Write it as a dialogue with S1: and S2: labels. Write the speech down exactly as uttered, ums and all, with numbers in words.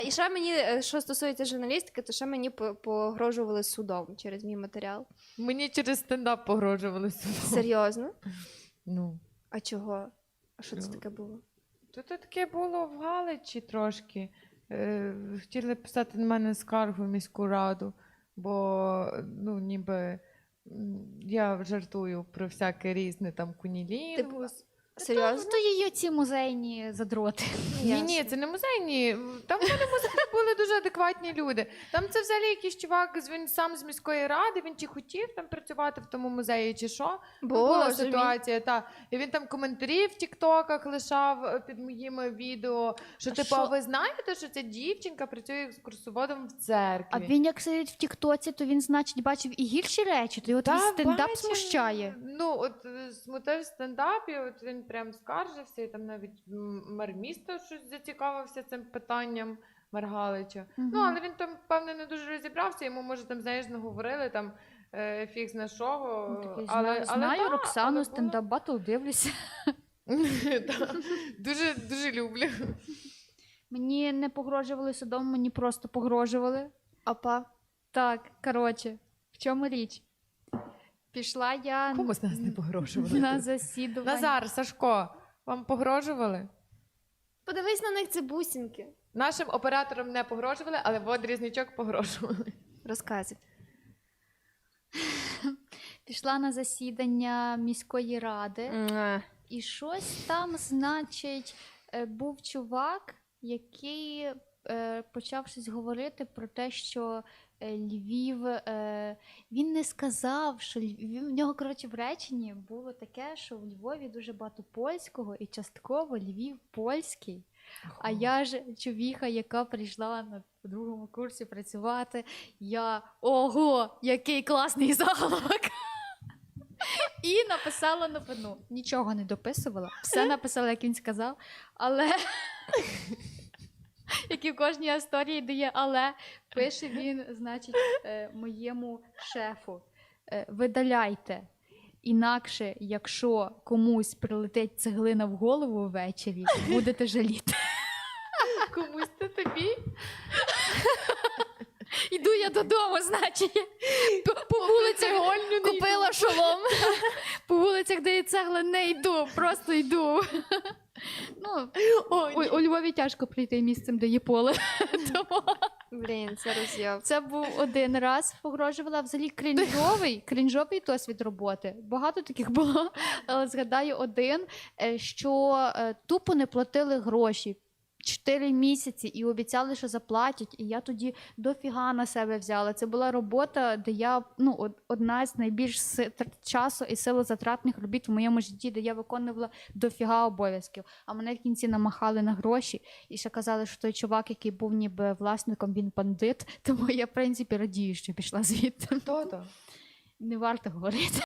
S1: І ще мені, е, що стосується журналістики, то ще мені по- погрожували судом через мій матеріал.
S2: Мені через стендап погрожували судом.
S1: Серйозно?
S2: Ну.
S1: А чого? А що це
S2: Ну.
S1: таке було?
S2: То це таке було в Галичі трошки. Е, хотіли писати на мене скаргу в міську раду, бо ну, ніби м, я жартую про всяке різне там кунілінгус.
S1: Серйозно?
S3: То її ці музейні задроти.
S2: Ні, ні, це не музейні. Там в мене музеї були дуже адекватні люди. Там це взагалі якийсь чувак, з- він сам з міської ради, він чи хотів там працювати в тому музеї, чи що. Ну, була
S1: Боже мій.
S2: ситуація, та. І він там коментарі в тіктоках лишав е, під моїми відео, що
S3: А
S2: типу,
S3: що?
S2: а ви знаєте, що ця дівчинка працює екскурсоводом в церкві?
S3: А він як сидить в Тіктоці, то він, значить, бачив і гірші речі, то його
S2: Та,
S3: твій стендап
S2: бачив.
S3: смущає.
S2: Ну, от е, смутив стендап, і от він прям скаржився, і там навіть м, мер міста щось зацікавився цим питанням, мер Галича.
S3: Мгм.
S2: Ну, але він там, певне, не дуже розібрався, йому, може, там, знаєш, наговорили, там, е, фіг зна що.
S3: Ну, такий,
S2: але,
S3: знаю,
S2: але,
S3: знаю
S2: та, але
S3: Роксану,
S2: було-
S3: стендап батл дивлюся.
S2: Та, Дуже, дуже люблю.
S3: Мені не погрожували судом, мені просто погрожували.
S1: Опа.
S3: Так, коротше, в чому річ? Пішла я
S2: Кому з нас не погрожували?
S3: на засідування.
S2: Назар, Сашко, вам погрожували?
S1: Подивись на них, це бусинки.
S2: Нашим операторам не погрожували, але водрізничок погрожували.
S1: Розказуй.
S3: Пішла на засідання міської ради.
S1: Муа.
S3: І щось там, значить, е, був чувак, який е, почав щось говорити про те, що е, Львів, е, він не сказав, що Львів, в нього, коротше, в реченні було таке, що в Львові дуже багато польського і частково Львів польський. А я ж човіха, яка прийшла на другому курсі працювати, я ого, який класний заголовок! І написала новину. Нічого не дописувала, все написала, як він сказав, але як і в кожній історії дає, але пише він, значить, е, моєму шефу: е, видаляйте. Інакше, якщо комусь прилетить цеглина в голову ввечері, будете жаліти.
S2: Комусь то тобі?
S3: Іду я додому, значить. По, по вулицях купила шолом. По вулицях, де є цегла, не йду, просто йду. Ну,
S2: Ой,
S3: у, у Львові тяжко прийти місцем, де є поле. Тому
S1: Блін, це роз'яв.
S3: це був один раз, погрожувала. Взагалі крінжовий, крінжовий досвід роботи. Багато таких було, але згадаю один, е, що е, тупо не платили гроші. Чотири місяці і обіцяли, що заплатять, і я тоді дофіга на себе взяла. Це була робота, де я, ну, од- одна з найбільш си- тр- часу і силозатратних робіт в моєму житті, де я виконувала дофіга обов'язків. А мене в кінці намахали на гроші і ще казали, що той чувак, який був ніби власником, він бандит. Тому я, в принципі, радію, що пішла звідти.
S2: Хто то?
S3: Не варто говорити.